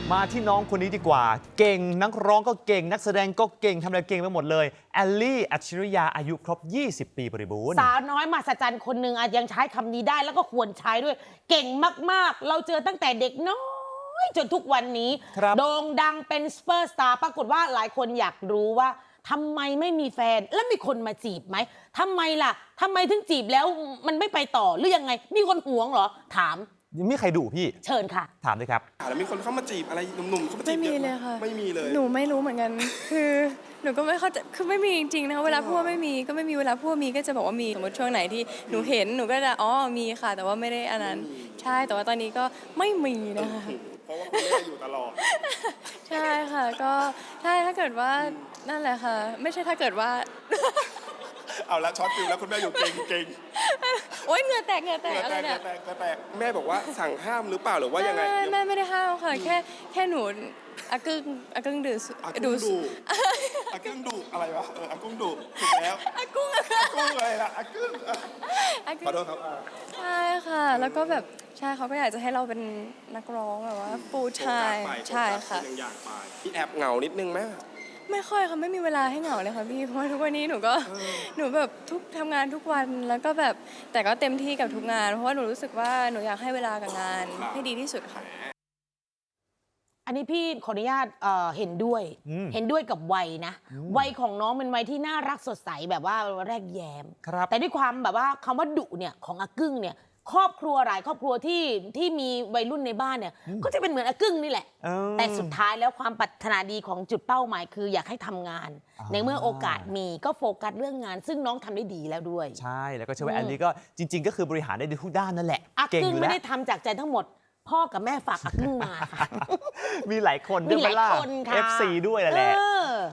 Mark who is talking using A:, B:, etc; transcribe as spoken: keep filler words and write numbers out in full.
A: มาที่น้องคนนี้ดีกว่าเก่งนักร้องก็เก่งนักแสดงก็เก่งทำอะไรเก่งไปหมดเลยแอลลี่อัจฉริยาอายุครบยี่สิบปีบริบูรณ์
B: สาวน้อยมหัศจรรย์คนหนึ่งอาจยังใช้คำนี้ได้แล้วก็ควรใช้ด้วยเก่งมากๆเราเจอตั้งแต่เด็กน้อยจนทุกวันนี้โด่งดังเป็นซูเปอร์สตาร์ปรากฏว่าหลายคนอยากรู้ว่าทำไมไม่มีแฟนแล้วมีคนมาจีบไหมทำไมล่ะทำไมถึงจีบแล้วมันไม่ไปต่อหรือยังไงมีคนหวงเหรอถาม
A: ยังไม่ใครดุพี่
B: เชิญค่ะ
A: ถามเลยครับ
C: แล้วมีคนเข้ามาจีบอะไรหนุ่มๆเข้ามาจีบ
D: ไม่มีเลยค่ะ
C: ไม่มีเลย
D: หนูไม่รู้เหมือนกันคือหนูก็ไม่เข้าใจคือไม่มีจริงๆนะคะเวลาพูดไม่มีก็ไม่มีเวลาพูดมีก็จะบอกว่ามีสมมติช่วงไหนที่หนูเห็นหนูก็จะอ๋อมีค่ะแต่ว่าไม่ได้อันนั้นใช่แต่ว่าตอนนี้ก็ไม่มีนะคะ
C: เพราะว่าคุณแม่อยู่ตลอด
D: ใช่ค่ะก็ใช่ถ้าเกิดว่านั่นแหละค่ะไม่ใช่ถ้าเกิดว่า
C: เอาละช็อตฟิลแล้วคุณแม่อยู่เก่งเก่ง
D: โอ๊ยเหงื่อแตกเหงื่อแตกอะไรเนี่ย
C: เหงื่อแตกแม่บอกว่าสั่งห้ามหรือเปล่าหรือว่ายังไง
D: แม่ไม่ได้ห้ามค่ะแค่แค่หนูอากึ่งอากึ่งดู
C: อากุ้งดูอากุ้งดูอะไรวะเอออากุ้งดูถูกแล้ว
D: อากุ้ง
C: อากุ้งอะไรล่ะอากุ้งขอโทษครับ
D: ใช่ค่ะแล้วก็แบบใช่เขาก็อยากจะให้เราเป็นนักร้องแบบว่าฟูลไทม์ใช่ค่ะ
C: ยังอยากไปพี่แอบเหงานิดนึงไหม
D: ไม่ค่อยค่ะไม่มีเวลาให้เหงาเลยค่ะพี่เพราะว่าทุกวันนี้หนูก็หนูแบบทุกทำงานทุกวันแล้วก็แบบแต่ก็เต็มที่กับทุกงานเพราะว่าหนูรู้สึกว่าหนูอยากให้เวลากับงานให้ดีที่สุดค่ะ
B: อันนี้พี่ขออนุญาตเอ่อเห็นด้วยเห็นด้วยกับวัยนะวัยของน้องเป็นวัยที่น่ารักสดใสแบบว่าแรกแย้มแต่ด้วยความแบบว่าคำว่าดุเนี่ยของอากึ่งเนี่ยครอบครัวหลายครอบครัวที่ที่มีวัยรุ่นในบ้านเนี่ยก็จะเป็นเหมือนอากึ่งนี่แหละแต่สุดท้ายแล้วความปรารถนาดีของจุดเป้าหมายคืออยากให้ทำงานในเมื่อโอกาสมีก็โฟกัสเรื่องงานซึ่งน้องทำได้ดีแล้วด้วย
A: ใช่แล้วก็เชื่อว่าแอลลี่ก็จริงๆก็คือบริหารได้ทุกด้านนั่นแหละ
B: อากึ่งไม่ได้ทำจากใจทั้งหมดพ่อกับแม่ฝากอากึ่งมาค่ะ
A: มีหลายคน
B: มีหลายคนค่ะ
A: เอฟ ซี ด้วยแหละ